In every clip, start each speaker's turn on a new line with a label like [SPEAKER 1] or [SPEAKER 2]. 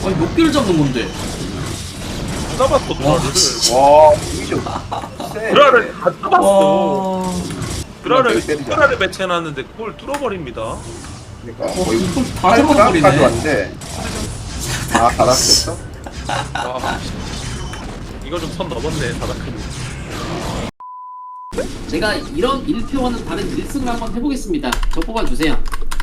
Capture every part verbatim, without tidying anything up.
[SPEAKER 1] 아니 몇 개를 잡는 건데?
[SPEAKER 2] 잡았어
[SPEAKER 1] 와,
[SPEAKER 2] 드라를.
[SPEAKER 3] 와 이죠.
[SPEAKER 2] 드라를 다 잡았어.
[SPEAKER 1] 와.
[SPEAKER 2] 드라를
[SPEAKER 3] 때리자.
[SPEAKER 2] 드라를 배치해놨는데 그걸 뚫어버립니다.
[SPEAKER 3] 그러니까
[SPEAKER 1] 어,
[SPEAKER 3] 거의
[SPEAKER 1] 이걸 다
[SPEAKER 3] 팔
[SPEAKER 1] 잡아버리네.
[SPEAKER 3] 드랍까지 왔는데. 아 받았겠어?
[SPEAKER 2] 와, 이거 좀 선 넘었네 다다크님.
[SPEAKER 4] 제가 이런 일 표와는 다른 일 승을 한번 해보겠습니다. 저 뽑아주세요.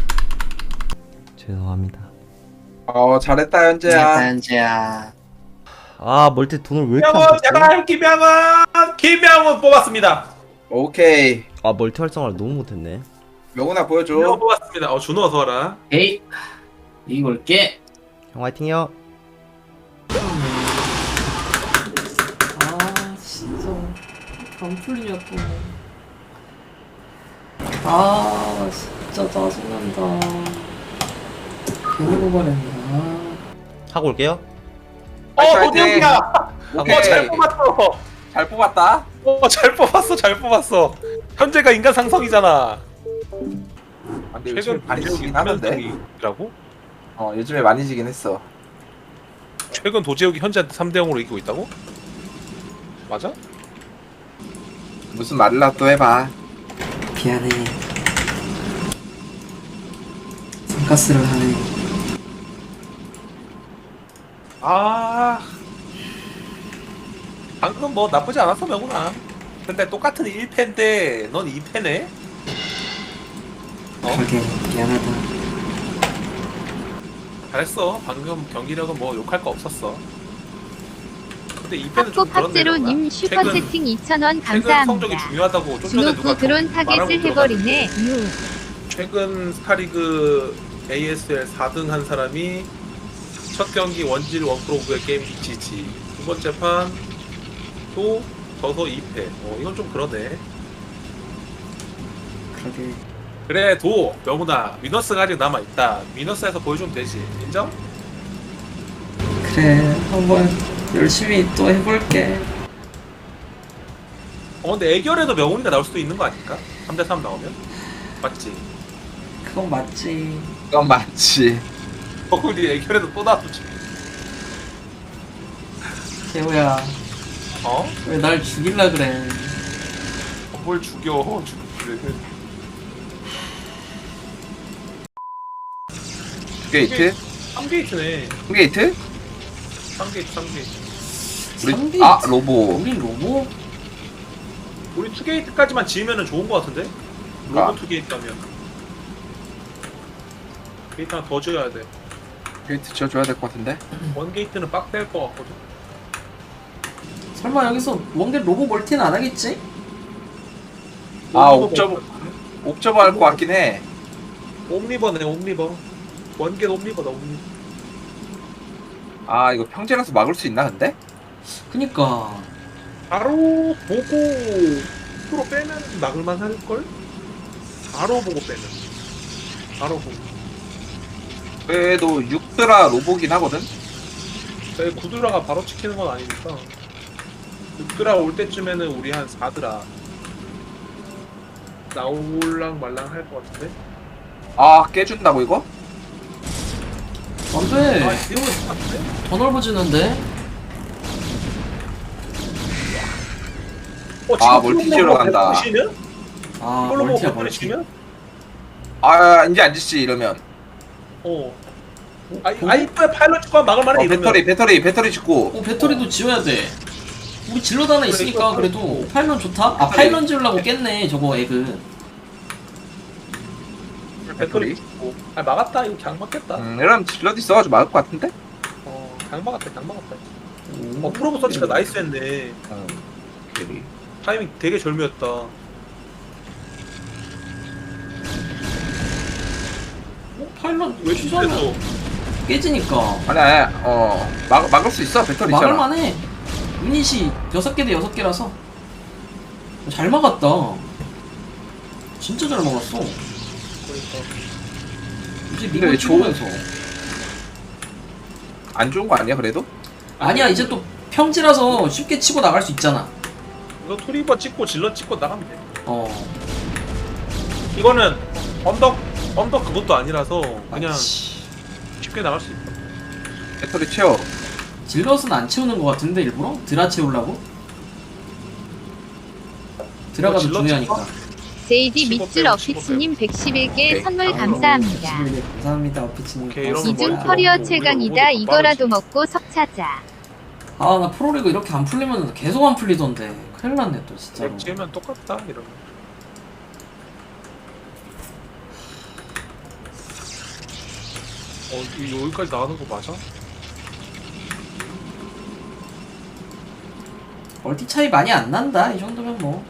[SPEAKER 5] 죄송합니다.
[SPEAKER 3] 어 잘했다 현재야.
[SPEAKER 4] 현재야.
[SPEAKER 5] 아 멀티 돈을 왜 이렇게 안
[SPEAKER 2] 김명훈
[SPEAKER 5] 줬지?
[SPEAKER 2] 제발 김명훈 김명훈 뽑았습니다.
[SPEAKER 3] 오케이.
[SPEAKER 5] 아 멀티 활성화를 너무 못했네.
[SPEAKER 3] 명훈아
[SPEAKER 2] 김명훈
[SPEAKER 3] 보여줘.
[SPEAKER 2] 뽑았습니다. 어 준호 어서 와라.
[SPEAKER 4] 에이, 이거 올게.
[SPEAKER 5] 형 화이팅요.
[SPEAKER 1] 아 진짜 안 풀리냐 또. 아 진짜 짜증난다. 괜히 뽑아냈나.
[SPEAKER 5] 하고 올게요.
[SPEAKER 2] 어
[SPEAKER 3] 화이팅, 화이팅.
[SPEAKER 2] 도대욱이야.
[SPEAKER 3] 오케이.
[SPEAKER 2] 어잘 뽑았어.
[SPEAKER 3] 잘 뽑았다.
[SPEAKER 2] 어잘 뽑았어 잘 뽑았어. 현재가 인간 상성이잖아.
[SPEAKER 3] 아, 근데 요즘에
[SPEAKER 2] 최근
[SPEAKER 3] 많이
[SPEAKER 2] 도제욱이
[SPEAKER 3] 지긴 하는데.
[SPEAKER 2] 삼연승이라고?
[SPEAKER 3] 어 요즘에 많이 지긴 했어.
[SPEAKER 2] 최근 도제욱이 현재한테 삼 대 영으로 이기고 있다고? 맞아?
[SPEAKER 3] 무슨 말이라 또 해봐.
[SPEAKER 1] 미안해. 돈가스를 하네.
[SPEAKER 2] 아 방금 뭐 나쁘지 않았어 명훈아. 근데 똑같은 일 패인데 넌 이 패네? 어?
[SPEAKER 1] 그러게 미안하다.
[SPEAKER 2] 잘했어. 방금 경기력은 뭐 욕할 거 없었어. 근데 이 패는
[SPEAKER 6] 팝포
[SPEAKER 2] 좀 그런데
[SPEAKER 6] 팝제로님
[SPEAKER 2] 최근-
[SPEAKER 6] 슈퍼채팅 이천 원
[SPEAKER 2] 최근 성적이
[SPEAKER 6] 감사합니다.
[SPEAKER 2] 중요하다고 좀 전에 누가
[SPEAKER 6] 준호프 드론
[SPEAKER 2] 말하고
[SPEAKER 6] 타겟을
[SPEAKER 2] 들어갔는데
[SPEAKER 6] 해버리네. 유.
[SPEAKER 2] 최근 스타리그 에이에스엘 사 등 한 사람이 첫 경기 원질 원프로브의 게임 지지, 두 번째 판 또 져서 이 패. 어 이건 좀 그러네.
[SPEAKER 1] 그러게.
[SPEAKER 2] 그래 도 명훈아 위너스가 아직 남아있다. 위너스에서 보여주면 되지. 인정?
[SPEAKER 1] 그래 한번 열심히 또 해볼게.
[SPEAKER 2] 어 근데 애결에도 명훈이가 나올 수도 있는 거 아닐까? 삼 대 삼 나오면? 맞지?
[SPEAKER 1] 그건 맞지.
[SPEAKER 3] 그건 맞지.
[SPEAKER 2] 명훈이 애결에도 또 나오지.
[SPEAKER 1] 재호야
[SPEAKER 2] 어?
[SPEAKER 1] 왜 날 죽일라 그래.
[SPEAKER 2] 어, 뭘 죽여 죽이래.
[SPEAKER 3] 게이트?
[SPEAKER 2] 삼 게이트네.
[SPEAKER 3] 게이트?
[SPEAKER 2] 삼 게이트 삼 게이트.
[SPEAKER 3] 우리
[SPEAKER 1] 삼
[SPEAKER 3] 아
[SPEAKER 1] 게이트?
[SPEAKER 3] 로보.
[SPEAKER 1] 우린 로보?
[SPEAKER 2] 우리 투 게이트까지만 지으면 좋은 거 같은데? 로봇
[SPEAKER 3] 아.
[SPEAKER 2] 투 게이트 하면 게이트 하나 더 지어야 돼.
[SPEAKER 3] 게이트 지어줘야 될 것 같은데.
[SPEAKER 2] 원 게이트는 빡될 거 같거든.
[SPEAKER 1] 설마 여기서 원게 로보 멀티는 안 하겠지?
[SPEAKER 3] 아
[SPEAKER 2] 옴니버
[SPEAKER 3] 옵저버 옵저버 할 것 같긴 해.
[SPEAKER 2] 옴니버네 옴니버. 원게 옴니버다 옴니버.
[SPEAKER 3] 아 이거 평지라서 막을 수 있나 근데?
[SPEAKER 1] 그니까
[SPEAKER 2] 바로 보고 프로 빼면 막을만 할걸? 바로 보고 빼면 바로 보고.
[SPEAKER 3] 그래도 육 드라 로보긴 하거든.
[SPEAKER 2] 내 구드라가 바로 찍히는 건 아니니까 육 드라 올 때쯤에는 우리 한 사 드라 나올랑 말랑 할 것 같은데?
[SPEAKER 3] 아 깨준다고 이거?
[SPEAKER 1] 안돼.
[SPEAKER 2] 아 이거 같은데?
[SPEAKER 1] 더 넓어지는데?
[SPEAKER 2] 어,
[SPEAKER 3] 아,
[SPEAKER 2] 지금
[SPEAKER 3] 멀티
[SPEAKER 2] 폴로
[SPEAKER 3] 지으러
[SPEAKER 2] 보고
[SPEAKER 3] 간다.
[SPEAKER 2] 백 번에 치면?
[SPEAKER 1] 아
[SPEAKER 2] 폴로 보고
[SPEAKER 1] 멀티야
[SPEAKER 2] 백 번에
[SPEAKER 1] 멀티.
[SPEAKER 2] 치면?
[SPEAKER 3] 아 이제 안 짓지 이러면.
[SPEAKER 2] 어. 아이 아이프에 파일럿 찍고 막을 만해
[SPEAKER 3] 어,
[SPEAKER 2] 이러면.
[SPEAKER 3] 배터리 배터리 배터리 짓고.
[SPEAKER 1] 어 배터리도 지워야 돼. 우리 질러드 하나 있으니까
[SPEAKER 2] 그래,
[SPEAKER 1] 그래도 파일런 좋다? 아 파일런 지으려고 깼네 저거 에그.
[SPEAKER 2] 배터리 찍고. 아 막았다. 이거 그냥 막겠다.
[SPEAKER 3] 음 이러면 질러도 있어가지고 막을 것 같은데?
[SPEAKER 2] 어, 그냥 막았다. 그냥 막았다. 어, 프로브 서치가 나이스했네.
[SPEAKER 3] 어. 오케이.
[SPEAKER 2] 타이밍 되게 절묘했다.
[SPEAKER 1] 어 파일런
[SPEAKER 2] 왜
[SPEAKER 1] 취소하면
[SPEAKER 2] 취소했어?
[SPEAKER 1] 깨지니까
[SPEAKER 3] 아니 아니 어 막, 막을 수 있어 배터리 있잖아.
[SPEAKER 1] 막을만해. 유닛이 여섯 개 대 여섯 개라서 잘 막았다. 진짜 잘 막았어.
[SPEAKER 2] 그러니까.
[SPEAKER 1] 이제
[SPEAKER 3] 근데
[SPEAKER 1] 리그
[SPEAKER 3] 왜 좋은-
[SPEAKER 1] 찍으면서
[SPEAKER 3] 안 좋은 거 아니야 그래도?
[SPEAKER 1] 아니야 이제 또 평지라서 쉽게 치고 나갈 수 있잖아.
[SPEAKER 2] 이거 투리버 찍고 질러 찍고 나가면 돼.
[SPEAKER 1] 어
[SPEAKER 2] 이거는 언덕 언덕 그것도 아니라서 그냥
[SPEAKER 1] 맞지.
[SPEAKER 2] 쉽게 나갈 수 있다.
[SPEAKER 3] 배터리 채워.
[SPEAKER 1] 질럿은 안 채우는 것 같은데 일부러? 드라 채우려고? 드라가 더
[SPEAKER 2] 질럿
[SPEAKER 1] 중요하니까.
[SPEAKER 6] 제이디
[SPEAKER 2] 십오
[SPEAKER 6] 밑줄
[SPEAKER 2] 빼고
[SPEAKER 6] 어피치님 백십일 개
[SPEAKER 3] 오케이.
[SPEAKER 6] 선물
[SPEAKER 1] 아유,
[SPEAKER 6] 감사합니다.
[SPEAKER 1] 백십일 개 감사합니다 어피치님.
[SPEAKER 2] 오케이, 이러면
[SPEAKER 6] 이중
[SPEAKER 2] 뭐야?
[SPEAKER 6] 커리어
[SPEAKER 2] 우리
[SPEAKER 6] 최강이다.
[SPEAKER 2] 오늘
[SPEAKER 6] 이거라도 먹고 석 차자.
[SPEAKER 1] 아 나 프로리그 이렇게 안 풀리면 계속 안 풀리던데 큰일 났네 또 진짜로.
[SPEAKER 2] 백지면 똑같다 이러면. 어 이- 여기까지 나가는 거 맞아?
[SPEAKER 1] 멀티 차이 많이 안 난다 이 정도면 뭐.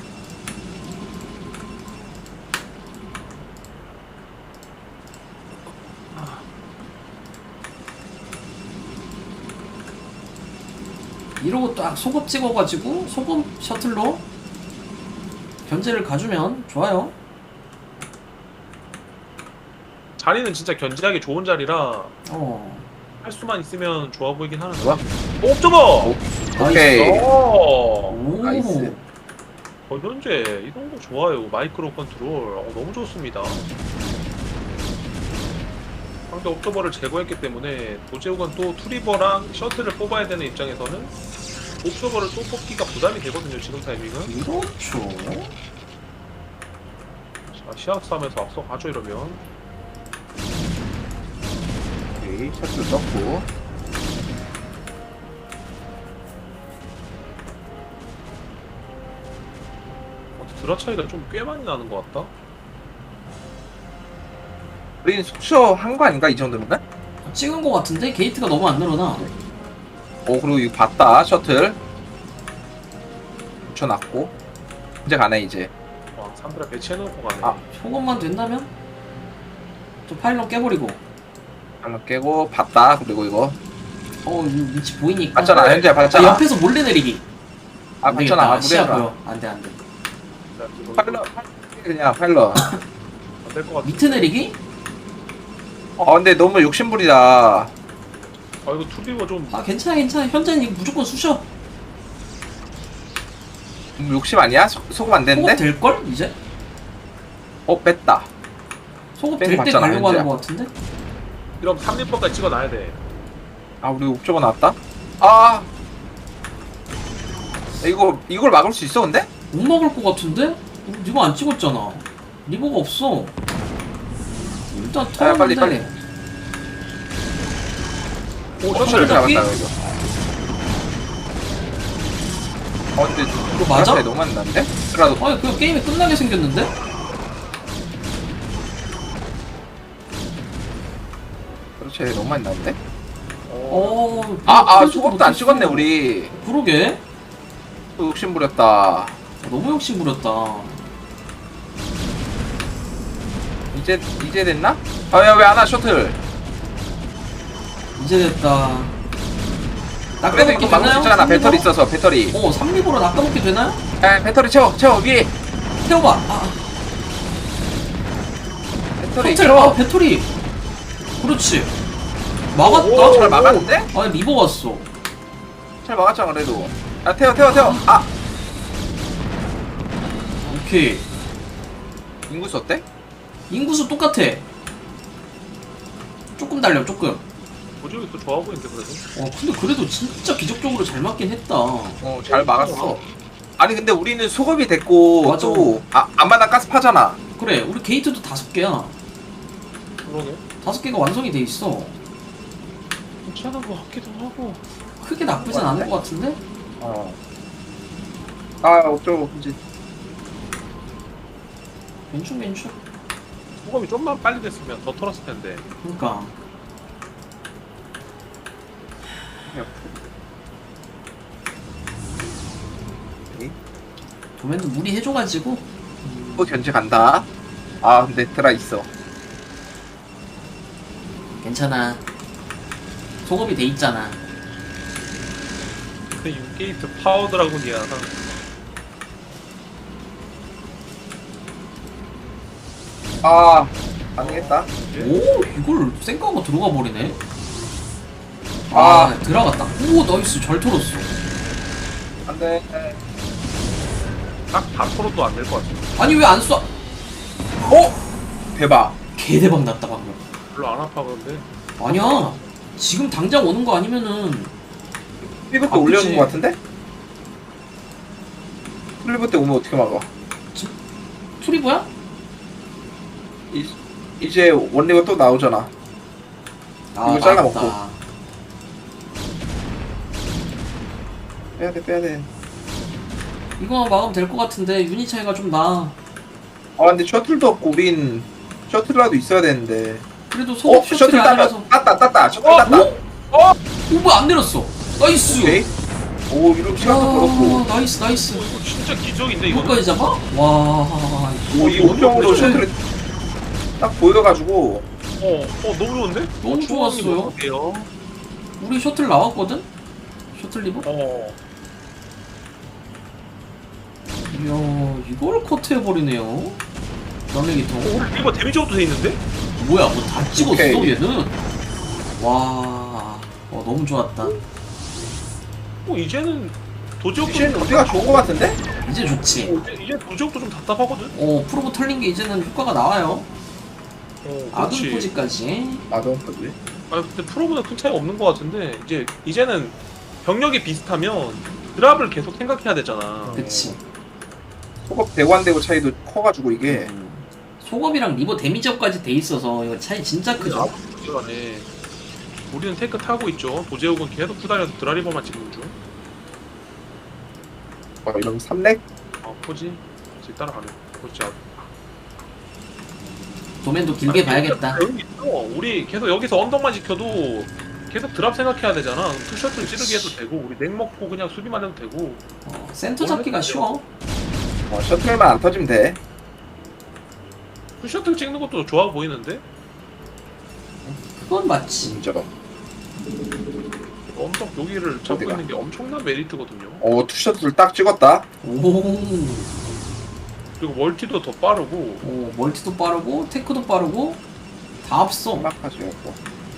[SPEAKER 1] 이러고 딱 소급 찍어가지고 소급 셔틀로 견제를 가주면 좋아요.
[SPEAKER 2] 자리는 진짜 견제하기 좋은 자리라
[SPEAKER 1] 어.
[SPEAKER 2] 할 수만 있으면 좋아 보이긴 하는데.
[SPEAKER 3] 좋아.
[SPEAKER 2] 오, 옵저버!
[SPEAKER 3] 오, 오케이.
[SPEAKER 2] 오!
[SPEAKER 1] 오.
[SPEAKER 3] 나이스.
[SPEAKER 2] 어, 현재 이런 거 좋아요. 마이크로 컨트롤. 어, 너무 좋습니다. 상대 옵저버를 제거했기 때문에 도제욱은 또 투리버랑 셔틀을 뽑아야 되는 입장에서는 옵저버를 또 뽑기가 부담이 되거든요. 지금 타이밍은.
[SPEAKER 1] 그렇죠.
[SPEAKER 2] 자, 시합 싸움에서 앞서가죠 이러면.
[SPEAKER 3] 오케이. 셔틀 썼고.
[SPEAKER 2] 어, 드라 차이가 좀 꽤 많이 나는 것 같다.
[SPEAKER 3] 우리는 숙소 한 거 아닌가 이 정도면?
[SPEAKER 1] 찍은 거 같은데 게이트가 너무 안 늘어나.
[SPEAKER 3] 오 그리고 이거 봤다 셔틀. 붙여놨고. 이제 가네 이제.
[SPEAKER 2] 와, 상대랑 배치해놓고 가네.
[SPEAKER 3] 아.
[SPEAKER 1] 소급만 된다면 또 파일럿 깨버리고.
[SPEAKER 3] 하나 깨고 봤다. 그리고 이거
[SPEAKER 1] 어 이거 위치 보이니까.
[SPEAKER 3] 봤잖아. 현재
[SPEAKER 1] 자,
[SPEAKER 3] 봤잖아.
[SPEAKER 1] 옆에서 몰래 내리기.
[SPEAKER 3] 아
[SPEAKER 1] 안 되겠다.
[SPEAKER 3] 봤잖아.
[SPEAKER 1] 시야
[SPEAKER 3] 무리하지
[SPEAKER 1] 보여. 안돼 안돼.
[SPEAKER 3] 파일럿 그냥 파일럿.
[SPEAKER 2] 안될 것 같아.
[SPEAKER 1] 밑에 내리기?
[SPEAKER 3] 어 근데 너무 욕심부리다.
[SPEAKER 2] 아 이거 투리버 좀.
[SPEAKER 1] 아 괜찮아 괜찮아. 현재는 이거 무조건 쑤셔.
[SPEAKER 3] 너무 욕심 아니야? 소, 소금 안
[SPEAKER 1] 소급
[SPEAKER 3] 되는데?
[SPEAKER 1] 될걸 이제?
[SPEAKER 3] 어 뺐다.
[SPEAKER 1] 소급
[SPEAKER 3] 뺀거
[SPEAKER 1] 될 때
[SPEAKER 3] 맞잖아,
[SPEAKER 1] 가려고 하는
[SPEAKER 3] 현재야.
[SPEAKER 1] 거 같은데?
[SPEAKER 2] 이러면 삼 리퍼까지 찍어놔야 돼.
[SPEAKER 3] 아 우리 옥저버 나왔다. 아 이거 이걸 막을 수 있어 근데?
[SPEAKER 1] 못 먹을 것 같은데? 우리 리버 안 찍었잖아. 리버가 없어. 일단
[SPEAKER 3] 아 빨리
[SPEAKER 1] 털었는데.
[SPEAKER 3] 빨리. 오
[SPEAKER 1] 어,
[SPEAKER 3] 셔틀
[SPEAKER 1] 잡기?
[SPEAKER 3] 잡았다 이거. 어 근데
[SPEAKER 1] 이거 맞아?
[SPEAKER 3] 차이 너무 안 나는데? 그래도
[SPEAKER 1] 아니 그 게임이 끝나게 생겼는데?
[SPEAKER 3] 그렇지 너무 안 나는데?
[SPEAKER 1] 어...
[SPEAKER 3] 아아
[SPEAKER 1] 털지도
[SPEAKER 3] 소금도 안
[SPEAKER 1] 못했어.
[SPEAKER 3] 찍었네 우리.
[SPEAKER 1] 그러게.
[SPEAKER 3] 또 욕심 부렸다.
[SPEAKER 1] 너무 욕심 부렸다.
[SPEAKER 3] 이제 이제 됐나? 아야 왜 안 와 셔틀?
[SPEAKER 1] 이제 됐다.
[SPEAKER 3] 그래도
[SPEAKER 1] 낚아먹기
[SPEAKER 3] 이거 막을 수
[SPEAKER 1] 되나요?
[SPEAKER 3] 있잖아.
[SPEAKER 1] 삼 리버?
[SPEAKER 3] 배터리 있어서 배터리.
[SPEAKER 1] 어, 삼 리버로 낚아먹기 되나요?
[SPEAKER 3] 야 배터리 채워 채워 위에
[SPEAKER 1] 태워봐. 아,
[SPEAKER 3] 배터리
[SPEAKER 1] 셔틀,
[SPEAKER 3] 채워.
[SPEAKER 1] 아, 배터리. 그렇지. 막았다.
[SPEAKER 3] 오, 잘 막았는데?
[SPEAKER 1] 아니, 리버 왔어.
[SPEAKER 3] 잘 막았잖아 그래도. 야 태워 태워 태워. 아
[SPEAKER 1] 오케이.
[SPEAKER 3] 인구수 어때?
[SPEAKER 1] 인구수 똑같아. 조금 달려, 조금.
[SPEAKER 2] 도제욱이 또 좋아 보이는데 그래도.
[SPEAKER 1] 어, 근데 그래도 진짜 기적적으로 잘 맞긴 했다.
[SPEAKER 3] 어 잘 막았어. 아니 근데 우리는 소급이 됐고
[SPEAKER 1] 맞아.
[SPEAKER 3] 또 아, 안마당 가스 파잖아.
[SPEAKER 1] 그래, 우리 게이트도 다섯 개야.
[SPEAKER 2] 그러네.
[SPEAKER 1] 다섯 개가 완성이 돼 있어.
[SPEAKER 2] 괜찮은 거 같기도 하고.
[SPEAKER 1] 크게 나쁘진 않은 것 같은데?
[SPEAKER 3] 어. 아 어쩌고 이제
[SPEAKER 1] 괜찮, 괜찮.
[SPEAKER 2] 소금이 좀만 빨리 됐으면 더 털었을 텐데.
[SPEAKER 1] 그니까. 도면도 무리해줘가지고.
[SPEAKER 3] 또 견제 간다. 아 근데 드라 있어.
[SPEAKER 1] 괜찮아. 소급이 돼 있잖아.
[SPEAKER 2] 근데 육게이트 파워 드라군이야.
[SPEAKER 3] 아 안되겠다.
[SPEAKER 1] 오, 이걸 생각하고 들어가 버리네.
[SPEAKER 3] 아.
[SPEAKER 1] 아, 들어갔다. 오, 나이스. 잘 털었어.
[SPEAKER 3] 안돼.
[SPEAKER 2] 딱다 털어도 안 될 것 같아.
[SPEAKER 1] 아니, 왜 안 쏴?
[SPEAKER 3] 어 대박.
[SPEAKER 1] 개대박 났다, 방금.
[SPEAKER 2] 별로 안 아파 그런데.
[SPEAKER 1] 아니야. 지금 당장 오는 거 아니면은
[SPEAKER 3] 트리버 때
[SPEAKER 1] 아,
[SPEAKER 3] 올려놓은
[SPEAKER 1] 그치.
[SPEAKER 3] 거 같은데? 트리버 때 오면 어떻게 막아?
[SPEAKER 1] 투리버야?
[SPEAKER 3] 이, 이제 원리가 또 나오잖아.
[SPEAKER 1] 아,
[SPEAKER 3] 이거 잘라먹고.
[SPEAKER 1] 맞다.
[SPEAKER 3] 빼야돼 빼야돼.
[SPEAKER 1] 이거만 막으면 될 것 같은데 유닛 차이가 좀 나.
[SPEAKER 3] 아 근데 셔틀도 없고 우린 셔틀이라도 있어야 되는데.
[SPEAKER 1] 그래도
[SPEAKER 3] 어?
[SPEAKER 1] 소급
[SPEAKER 3] 셔틀
[SPEAKER 1] 셔틀이
[SPEAKER 3] 땄다
[SPEAKER 1] 아니라서.
[SPEAKER 3] 땄다 땄다 셔틀
[SPEAKER 1] 어?
[SPEAKER 3] 땄다.
[SPEAKER 1] 오? 어? 오, 뭐야 안 내렸어. 나이스.
[SPEAKER 3] 오케이. 오 이렇게 시간도 벌었고.
[SPEAKER 1] 야, 나이스 나이스.
[SPEAKER 2] 어, 이거 진짜 기적인데 이거는.
[SPEAKER 1] 이거까지 잡아? 와.
[SPEAKER 3] 오 이 옵션으로 셔틀이 딱 보여가지고.
[SPEAKER 2] 어, 어 너무 좋은데?
[SPEAKER 1] 너무
[SPEAKER 2] 어, 추억이
[SPEAKER 1] 좋았어요.
[SPEAKER 2] 어떡해요?
[SPEAKER 1] 우리 셔틀 나왔거든? 셔틀 리버?
[SPEAKER 2] 어.
[SPEAKER 1] 이야, 이걸 커트해버리네요. 연예기통.
[SPEAKER 2] 어, 우리 이거 데미지업도 돼 있는데?
[SPEAKER 1] 뭐야, 뭐 다 찍었어,
[SPEAKER 3] 오케이.
[SPEAKER 1] 얘는? 와, 어, 너무 좋았다.
[SPEAKER 2] 어, 이제는 도지역도
[SPEAKER 3] 이제는
[SPEAKER 2] 좀
[SPEAKER 3] 우리가
[SPEAKER 2] 답답-
[SPEAKER 3] 좋은 거 같은데?
[SPEAKER 1] 이제 좋지.
[SPEAKER 2] 어, 이제, 이제 도지역도 좀 답답하거든?
[SPEAKER 1] 어, 프로보 털린 게 이제는 효과가 나와요.
[SPEAKER 2] 어,
[SPEAKER 1] 아둔
[SPEAKER 2] 그렇지.
[SPEAKER 1] 포지까지.
[SPEAKER 3] 나도 그지.
[SPEAKER 2] 아, 근데 프로보다 큰 차이가 없는 것 같은데, 이제, 이제는 병력이 비슷하면 드랍을 계속 생각해야 되잖아.
[SPEAKER 1] 그치.
[SPEAKER 3] 소급 대관되고 차이도 커가지고 이게.
[SPEAKER 1] 음. 소급이랑 리버 데미지업까지 돼 있어서 이거 차이 진짜 크죠.
[SPEAKER 2] 아무튼 그간에 우리는 테크 타고 있죠. 도제욱은 계속 후달려서 드라리버만 찍는 중.
[SPEAKER 3] 어 이러면 삼렉?
[SPEAKER 2] 어, 포지. 지금 따라가네. 그렇지. 아,
[SPEAKER 1] 도맨도 길게
[SPEAKER 2] 아니,
[SPEAKER 1] 봐야겠다.
[SPEAKER 2] 여기 있어. 우리 계속 여기서 언덕만 지켜도 계속 드랍 생각해야 되잖아. 투셔틀 찌르기 해도 되고, 우리 냉 먹고 그냥 수비만 해도 되고.
[SPEAKER 1] 어, 센터 잡기가 쉬워.
[SPEAKER 3] 어 셔틀만 안 터지면 돼.
[SPEAKER 2] 투셔틀 찍는 것도 좋아 보이는데?
[SPEAKER 1] 그건 맞지.
[SPEAKER 3] 진짜로.
[SPEAKER 2] 언덕 여기를 잡고
[SPEAKER 3] 어디가?
[SPEAKER 2] 있는 게 엄청난 메리트거든요.
[SPEAKER 3] 어 투셔틀 딱 찍었다.
[SPEAKER 1] 오,
[SPEAKER 2] 그리고 멀티도 더 빠르고.
[SPEAKER 1] 오, 멀티도 빠르고, 테크도 빠르고, 다 앞서.
[SPEAKER 3] 막하지 고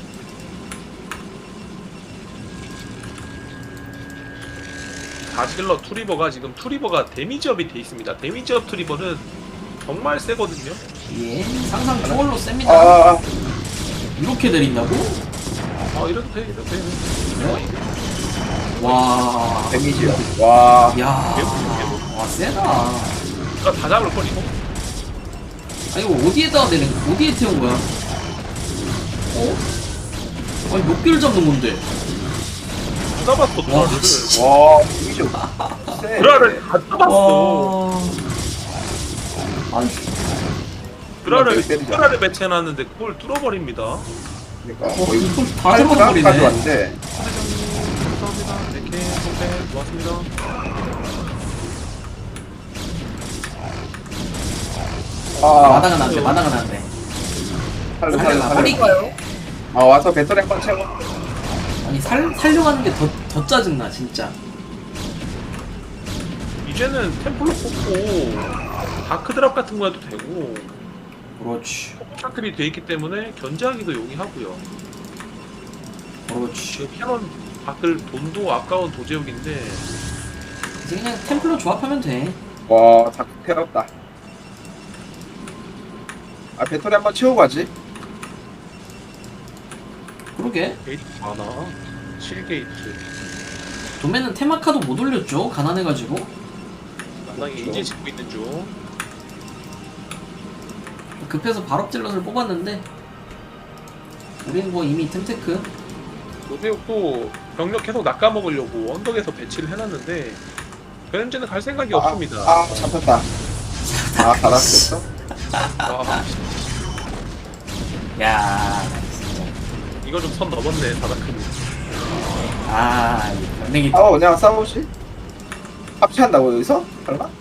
[SPEAKER 2] 다질러 투리버가 지금 투리버가 데미지업이 돼 있습니다. 데미지업 투리버는 정말 세거든요.
[SPEAKER 1] 예, 상상 초월로 셉니다.
[SPEAKER 3] 아, 아,
[SPEAKER 1] 이렇게 내린다고?
[SPEAKER 2] 아 이래도 돼, 이래도 돼.
[SPEAKER 1] 와,
[SPEAKER 3] 데미지요. 와.
[SPEAKER 1] 야, 와 세다. 아
[SPEAKER 2] 다 잡을 걸 이거.
[SPEAKER 1] 이거 어디에다가 내린? 어디에 태운 거야? 어? 아니 몇 개를 잡는 건데?
[SPEAKER 2] 다 잡았어
[SPEAKER 1] 와,
[SPEAKER 2] 드라를.
[SPEAKER 1] 진짜.
[SPEAKER 3] 와 데미지 세.
[SPEAKER 2] 드라를 다 잡았어.
[SPEAKER 1] 와, 아니
[SPEAKER 2] 드라를
[SPEAKER 3] 때리자.
[SPEAKER 2] 드라를 배치해놨는데 그걸 뚫어버립니다.
[SPEAKER 3] 그러니까
[SPEAKER 1] 어,
[SPEAKER 3] 거의
[SPEAKER 1] 이걸 다
[SPEAKER 3] 팔
[SPEAKER 1] 잡아버리네.
[SPEAKER 3] 가까지 왔는데.
[SPEAKER 2] 감사합니다. 네개 선배 고맙습니다.
[SPEAKER 3] 아
[SPEAKER 1] 마다가 난데, 마다가 난데.
[SPEAKER 3] 살려 살려
[SPEAKER 1] 살려가
[SPEAKER 3] 살려.
[SPEAKER 1] 버리게.
[SPEAKER 3] 아 와서 배터리 한번 채워.
[SPEAKER 1] 아니 살 살려가는 게 더 더 짜증나 진짜.
[SPEAKER 2] 이제는 템플로 뽑고 다크 드랍 같은 거 해도 되고
[SPEAKER 1] 그렇지,
[SPEAKER 2] 샤클이 돼 있기 때문에 견제하기도 용이하고요.
[SPEAKER 1] 그렇지.
[SPEAKER 2] 지금 캐논 밖을 돈도 아까운 도제욱인데
[SPEAKER 1] 이제 그냥 템플로 조합하면 돼.
[SPEAKER 3] 와다 태웠다. 아 배터리 한번 채우고 가지.
[SPEAKER 1] 그러게.
[SPEAKER 2] 게이트 많아. 칠 게이트.
[SPEAKER 1] 도매는 테마카도 못 올렸죠. 가난해가지고.
[SPEAKER 2] 마당에
[SPEAKER 3] 그렇죠.
[SPEAKER 2] 이제 짓고 있는 중.
[SPEAKER 1] 급해서 발업질럿을 뽑았는데 우리는 뭐 이미 템테크.
[SPEAKER 2] 도제욱도 병력 계속 낚아먹으려고 언덕에서 배치를 해놨는데 현재는 갈 생각이
[SPEAKER 3] 아,
[SPEAKER 2] 없습니다.
[SPEAKER 3] 아 잡혔다. 아 받았겠어?
[SPEAKER 2] 아,
[SPEAKER 1] 야, 나 진짜.
[SPEAKER 2] 이거 좀 선 넘었네 바닥크는.
[SPEAKER 1] 아, 이 연예기.
[SPEAKER 3] 아 그냥 싸우지? 합체한다고 여기서? 설마?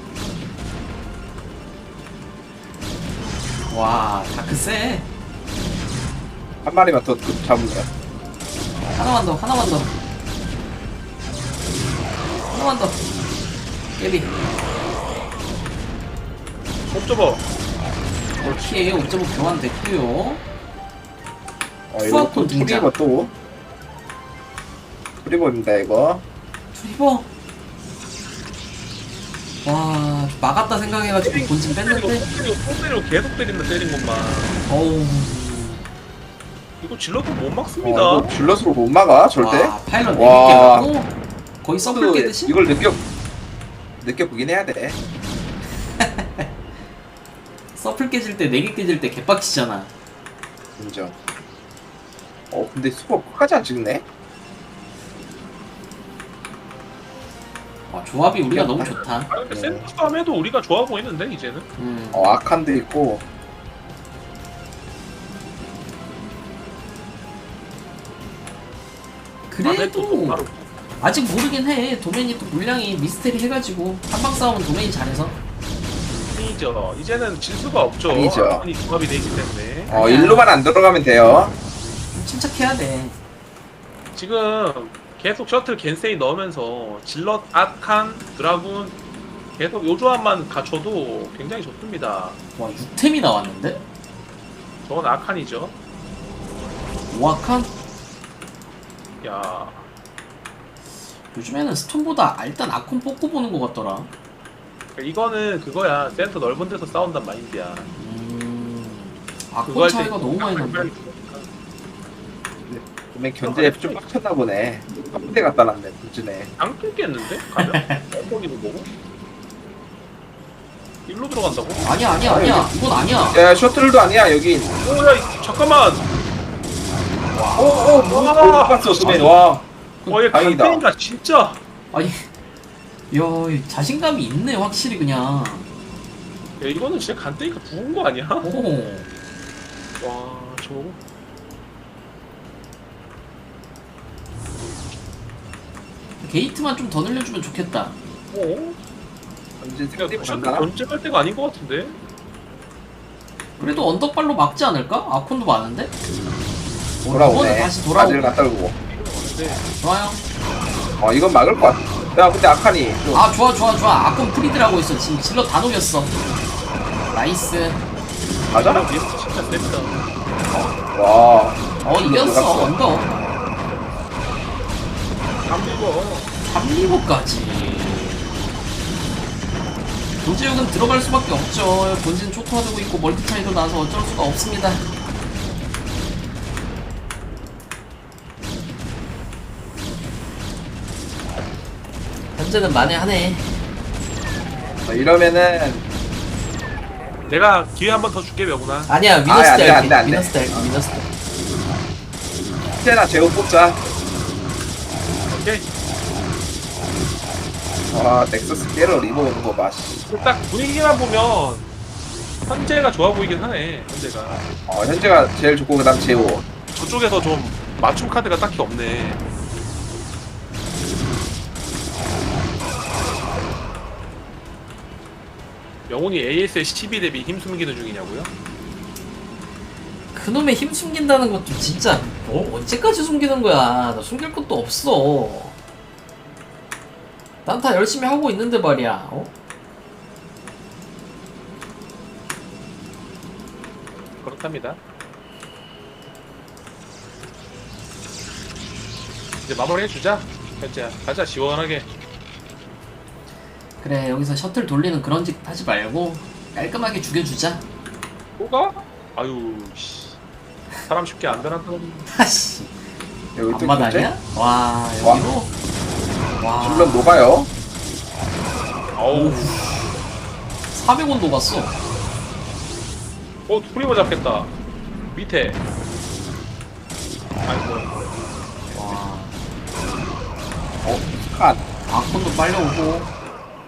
[SPEAKER 1] 와, 다크 세.
[SPEAKER 3] 한 마리만 더 잡으면 돼.
[SPEAKER 1] 하나만 더, 하나만 더. 하나만 더. 예비.
[SPEAKER 2] 옵저버.
[SPEAKER 1] 오케이, 옵저버 교환됐고요.
[SPEAKER 3] 어 이거
[SPEAKER 1] 수학권
[SPEAKER 3] 또
[SPEAKER 1] 등장.
[SPEAKER 3] 투리버 또 투리버입니다 이거.
[SPEAKER 1] 트리버. 와, 막았다 생각해가지고 본진
[SPEAKER 2] 때리고
[SPEAKER 1] 뺐는데.
[SPEAKER 2] 또 때리고 또 때리고 계속 때린다 때린 것만.
[SPEAKER 1] 어우.
[SPEAKER 2] 이거 질러도 못
[SPEAKER 3] 어,
[SPEAKER 2] 막습니다.
[SPEAKER 3] 이거 질럿으로 못 막아 절대.
[SPEAKER 1] 와, 파일럿
[SPEAKER 3] 와.
[SPEAKER 1] 네 개 갖고 거의 서플
[SPEAKER 3] 또
[SPEAKER 1] 깨듯이.
[SPEAKER 3] 이걸 느껴 느껴보긴 해야 돼.
[SPEAKER 1] 서플 깨질 때 네 개 깨질 때 개빡치잖아.
[SPEAKER 3] 인정. 어 근데 수거 끝까지 안 찍네.
[SPEAKER 1] 와, 조합이 우리가 너무 좋다.
[SPEAKER 2] 아니 근데
[SPEAKER 3] 네.
[SPEAKER 2] 센터 싸움에도 우리가 좋아 보이는데 이제는.
[SPEAKER 1] 음.
[SPEAKER 3] 어 아칸도 있고.
[SPEAKER 2] 안에 또
[SPEAKER 1] 그래도
[SPEAKER 2] 바로
[SPEAKER 1] 아직 모르긴 해. 도메인이 또 물량이 미스테리 해가지고 한방 싸움은 도메인이 잘해서.
[SPEAKER 2] 아니죠. 이제는 질 수가 없죠.
[SPEAKER 3] 아니죠.
[SPEAKER 2] 아니 조합이 돼 있기 때문에.
[SPEAKER 3] 어
[SPEAKER 1] 아니야.
[SPEAKER 3] 일로만 안 들어가면 돼요.
[SPEAKER 1] 좀 침착해야 돼.
[SPEAKER 2] 지금 계속 셔틀 겐세이 넣으면서 질럿, 아칸, 드라군 계속 요 조합만 갖춰도 굉장히 좋습니다.
[SPEAKER 1] 와, 육 템이 나왔는데?
[SPEAKER 2] 저건 아칸이죠.
[SPEAKER 1] 오아칸?
[SPEAKER 2] 야,
[SPEAKER 1] 요즘에는 스톤보다 일단 아콘 뽑고 보는 것 같더라.
[SPEAKER 2] 이거는 그거야. 센터 넓은 데서 싸운단 마인드야.
[SPEAKER 1] 음.
[SPEAKER 2] 그거
[SPEAKER 1] 아콘
[SPEAKER 2] 할 때
[SPEAKER 1] 차이가 너무 많이 난다.
[SPEAKER 3] 그러면 견제 좀 빡쳤나 보네. 한대 갖다 놨네 도진에.
[SPEAKER 2] 안 끊겠는데? 가면? 엉덩이도 보고? 일로 들어간다고?
[SPEAKER 1] 아니야, 아니야, 아니야. 이건 아니야.
[SPEAKER 3] 야 셔틀도 아니야 여기.
[SPEAKER 2] 오야 잠깐만!
[SPEAKER 3] 오오 못 봤어 도맨. 와.
[SPEAKER 2] 어얘
[SPEAKER 3] 다행이다.
[SPEAKER 2] 강팬인가 진짜!
[SPEAKER 1] 아니, 야, 자신감이 있네, 확실히 그냥.
[SPEAKER 2] 야 이거는 진짜 간땡이가 부은 거 아니야?
[SPEAKER 1] 오.
[SPEAKER 2] 와 저거
[SPEAKER 1] 게이트만 좀 더 늘려주면 좋겠다.
[SPEAKER 2] 어?
[SPEAKER 3] 이제
[SPEAKER 2] 야
[SPEAKER 3] 상대
[SPEAKER 2] 셔틀
[SPEAKER 3] 봤나?
[SPEAKER 2] 견제할 때가 아닌 것 같은데?
[SPEAKER 1] 그래도 언덕발로 막지 않을까? 아콘도 많은데? 어,
[SPEAKER 3] 돌아오네.
[SPEAKER 1] 이번엔 다시
[SPEAKER 3] 바지를
[SPEAKER 1] 돌아오고.
[SPEAKER 3] 갖다 주고.
[SPEAKER 2] 네.
[SPEAKER 1] 좋아요.
[SPEAKER 3] 어 이건 막을 것 같아. 야 근데 아칸이 좀
[SPEAKER 1] 아, 좋아, 좋아, 좋아. 아콘 프리드를 하고 있어. 지금 질러 다 녹였어. 나이스.
[SPEAKER 3] 맞아?
[SPEAKER 2] 아, 리스트 진짜 셉니다.
[SPEAKER 3] 와.
[SPEAKER 1] 어, 이겼어.
[SPEAKER 3] 들어갔어.
[SPEAKER 1] 언덕.
[SPEAKER 2] 안 죽어.
[SPEAKER 1] 삼리고까지. 도지욱은 들어갈 수밖에 없죠. 본진 초토화되고 있고 멀티 차이도 나서 어쩔 수가 없습니다. 현재는 만회하네.
[SPEAKER 3] 어, 이러면은
[SPEAKER 2] 내가 기회 한 번 더 줄게 명훈아.
[SPEAKER 1] 아니야,
[SPEAKER 3] 아,
[SPEAKER 1] 위너스
[SPEAKER 3] 안 돼,
[SPEAKER 1] 때
[SPEAKER 3] 안 돼,
[SPEAKER 1] 할게.
[SPEAKER 3] 안 돼.
[SPEAKER 1] 위너스 때 할게. 위너스 때.
[SPEAKER 3] 세나 제우 뽑자.
[SPEAKER 2] 오케이.
[SPEAKER 3] 와 넥서스 깨러 리버 오는 거 봐. 씨.
[SPEAKER 2] 딱 분위기만 보면 현재가 좋아 보이긴 하네. 현재가
[SPEAKER 3] 어 현재가 제일 좋고 그다음 제우.
[SPEAKER 2] 저쪽에서 좀 맞춤 카드가 딱히 없네. 영훈이 에이에스의 십이 대비 힘 숨기는 중이냐고요?
[SPEAKER 1] 그놈의 힘 숨긴다는 것도 진짜 뭐 언제까지 숨기는 거야. 나 숨길 것도 없어. 난 다 열심히 하고 있는데 말이야. 어?
[SPEAKER 2] 그렇답니다. 이제 마무리 해주자. 현재야 가자 시원하게.
[SPEAKER 1] 그래, 여기서 셔틀 돌리는 그런 짓 하지 말고 깔끔하게 죽여주자.
[SPEAKER 2] 뭐가? 아유 씨. 사람 쉽게 안 변한다는.
[SPEAKER 1] 하씨.
[SPEAKER 3] 여기 또
[SPEAKER 1] 앞마당이야? 와, 여기로? 와.
[SPEAKER 3] 물론 녹아요.
[SPEAKER 2] 어우.
[SPEAKER 1] 사백 원 녹았어.
[SPEAKER 2] 어 프리버 잡겠다. 밑에. 아이고.
[SPEAKER 1] 와.
[SPEAKER 3] 어 칸.
[SPEAKER 1] 아콘도 빨려오고.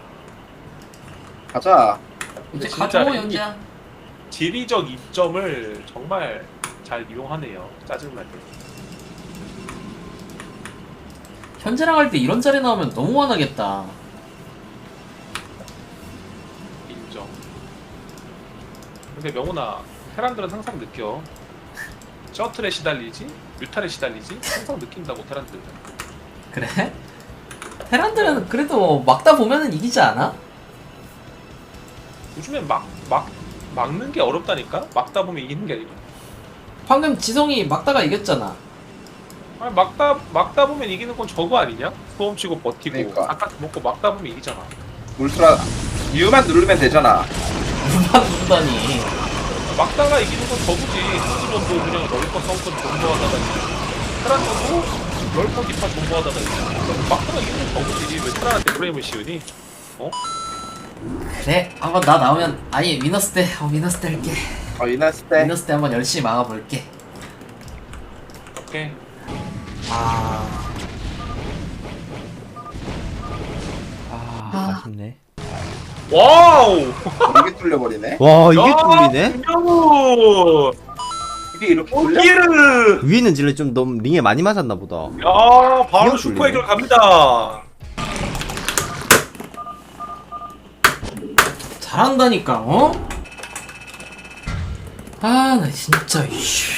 [SPEAKER 3] 가자.
[SPEAKER 1] 이제
[SPEAKER 2] 진짜
[SPEAKER 1] 가져,
[SPEAKER 2] 이-
[SPEAKER 1] 연지야.
[SPEAKER 2] 지리적 이점을 정말 잘 이용하네요. 짜증나게.
[SPEAKER 1] 현재랑 할 때 이런 자리 나오면 너무 화나겠다.
[SPEAKER 2] 인정. 근데 명훈아, 테란들은 항상 느껴. 셔틀에 시달리지? 뮤탈에 시달리지? 항상 느낀다고 테란들은.
[SPEAKER 1] 그래? 테란들은 그래도 막다 보면은 이기지 않아?
[SPEAKER 2] 요즘엔 막, 막, 막는 게 어렵다니까? 막다 보면 이기는 게 아니고.
[SPEAKER 1] 방금 지성이 막다가 이겼잖아.
[SPEAKER 2] 아니, 막다, 막다 보면 이기는 건 저거 아니냐? 소음 치고 버티고,
[SPEAKER 3] 그러니까.
[SPEAKER 2] 아까 먹고 막다 보면 이기잖아.
[SPEAKER 3] 울트라 U만 누르면 되잖아.
[SPEAKER 1] 누가 누르다니.
[SPEAKER 2] 막다가 이기는 건 저구지. 수지면도 그냥 럴커 성권 존버하다가 테란도 럴커 기파 존버하다가 이기는 막다가 이기는 건 저구지. 왜 테란한테 프레임을 씌우니?
[SPEAKER 1] 그래 한번 나 나오면 아니 위너스 때 어, 위너스 때 할게.
[SPEAKER 3] 어 이났을 때
[SPEAKER 1] 위너스 때 한번 열심히 막아볼게.
[SPEAKER 2] 오케이.
[SPEAKER 1] 아,
[SPEAKER 5] 아, 아쉽네.
[SPEAKER 2] 와우!
[SPEAKER 3] 이게 뚫려버리네.
[SPEAKER 5] 와, 이게 뚫리네?
[SPEAKER 2] 김영우!
[SPEAKER 3] 이게 이렇게 뚫려?
[SPEAKER 2] 오기르!
[SPEAKER 5] 위에는 질레 좀 너무 링에 많이 맞았나 보다.
[SPEAKER 2] 야, 바로
[SPEAKER 5] 이거
[SPEAKER 2] 슈퍼
[SPEAKER 5] 뚫리네.
[SPEAKER 2] 해결 갑니다.
[SPEAKER 1] 잘한다니까 어? 아 나 진짜 이씨.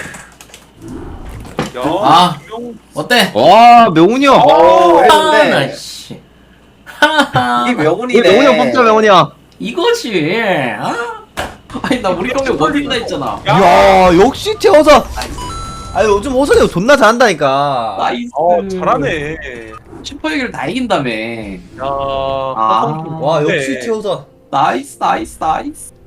[SPEAKER 2] 야,
[SPEAKER 1] 아.
[SPEAKER 2] 김영우
[SPEAKER 1] 어때?
[SPEAKER 5] 와, 명훈이 형!
[SPEAKER 3] 오
[SPEAKER 1] 아, 나
[SPEAKER 3] 했는데
[SPEAKER 1] 씨. 하하.
[SPEAKER 3] 이게
[SPEAKER 5] 왜
[SPEAKER 3] 명운이네.
[SPEAKER 5] 명훈이 형 뽑자, 명훈이 형!
[SPEAKER 1] 이거지. 아? 아니 나 우리 형님 원빈다 했잖아.
[SPEAKER 5] 야, 역시 태어서! 아니, 요즘 호선이 형 존나 잘한다니까.
[SPEAKER 1] 나이스.
[SPEAKER 2] 어, 잘하네.
[SPEAKER 1] 슈퍼 얘기를 다 이긴다며.
[SPEAKER 2] 야,
[SPEAKER 1] 아.
[SPEAKER 5] 와, 역시 태어서.
[SPEAKER 1] 나이스 나이스 나이스.